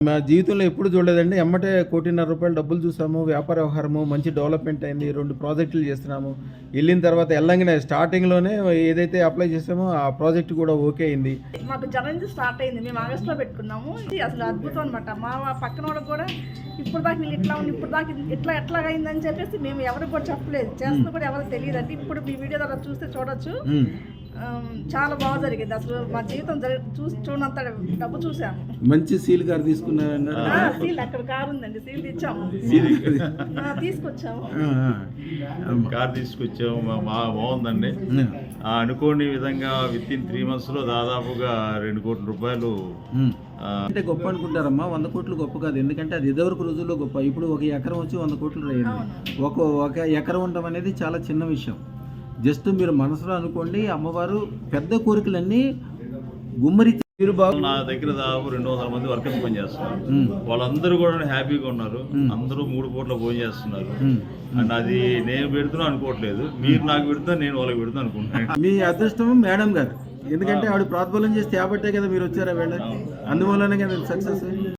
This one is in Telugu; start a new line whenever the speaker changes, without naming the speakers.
మా జీవితంలో ఎప్పుడు చూడలేదండి. ఎమ్మటే ₹1,50,00,000 డబ్బులు చూసాము. వ్యాపార వ్యవహారము మంచి డెవలప్‌మెంట్ అయింది. 2 ప్రాజెక్టులు చేస్తున్నాము. ఎళ్ళిన తర్వాత ఎల్లంగానే స్టార్టింగ్‌లోనే ఏదైతే అప్లై చేసామో ఆ ప్రాజెక్ట్ కూడా ఓకే అయింది.
మాకు జనవరి స్టార్ట్ అయింది. మేము ఆగస్టులో పెట్టుకున్నాము. ఇది అసలు అద్భుతం అనమాట. మా పక్కనోళ్ళకి కూడా ఇప్పుడు దాకా వీళ్ళు ఇట్లా ఉంది, ఇప్పుడు దాకా ఎట్లాగ అయిందని చెప్పేసి మేము ఎవరికి కూడా చెప్పలేదు. చేస్తున్నా కూడా ఎవరికి తెలియదండి. ఇప్పుడు మీ వీడియో ద్వారా చూస్తే చూడొచ్చు. చాలా బాగా జరిగింది. అసలు మా జీవితం చూడంత డబ్బు చూసాము.
మంచి సీల్ కార్ తీసుకున్నారన్నారు.
సీల్ అక్కడ కారు ఉందండి. సీల్ తెచ్చాము, తీసుకొచ్చాము.
కార్ తీసుకొచ్చాము. బాగుందండి. అనుకోని విధంగా విత్ ఇన్ 3 months లో దాదాపుగా ₹2 కోట్ల.
అంటే గొప్ప అనుకుంటారమ్మా. 100 కోట్లు గొప్ప కాదు. ఎందుకంటే అది ఇదివరకు రోజుల్లో గొప్ప. ఇప్పుడు ఒక ఎకరం వచ్చి 100 కోట్లు అయ్యింది. ఒక ఎకరం ఉండడం అనేది చాలా చిన్న విషయం. జస్ట్ మీరు మనసులో అనుకోండి, అమ్మవారు పెద్ద కోరికలన్నీ గుమ్మరి తీరు బాగు.
నా దగ్గర దాదాపు 200 మంది వర్కర్స్ పని చేస్తున్నారు. వాళ్ళందరూ కూడా హ్యాపీగా ఉన్నారు. అందరూ 3 పూట్ల భోజనం చేస్తున్నారు. అండ్ అది నేను పెడుతున్నా అనుకోవట్లేదు, మీరు నాకు పెడుతున్నా, నేను వాళ్ళకి పెడుతున్నా అనుకుంటున్నాను.
మీ అదృష్టం మేడం గారు. ఎందుకంటే ఆవిడ ప్రోద్బలం చేస్తే కాబట్టే కదా మీరు వచ్చారా వేళ. అందువల్లనే కదా సక్సెస్.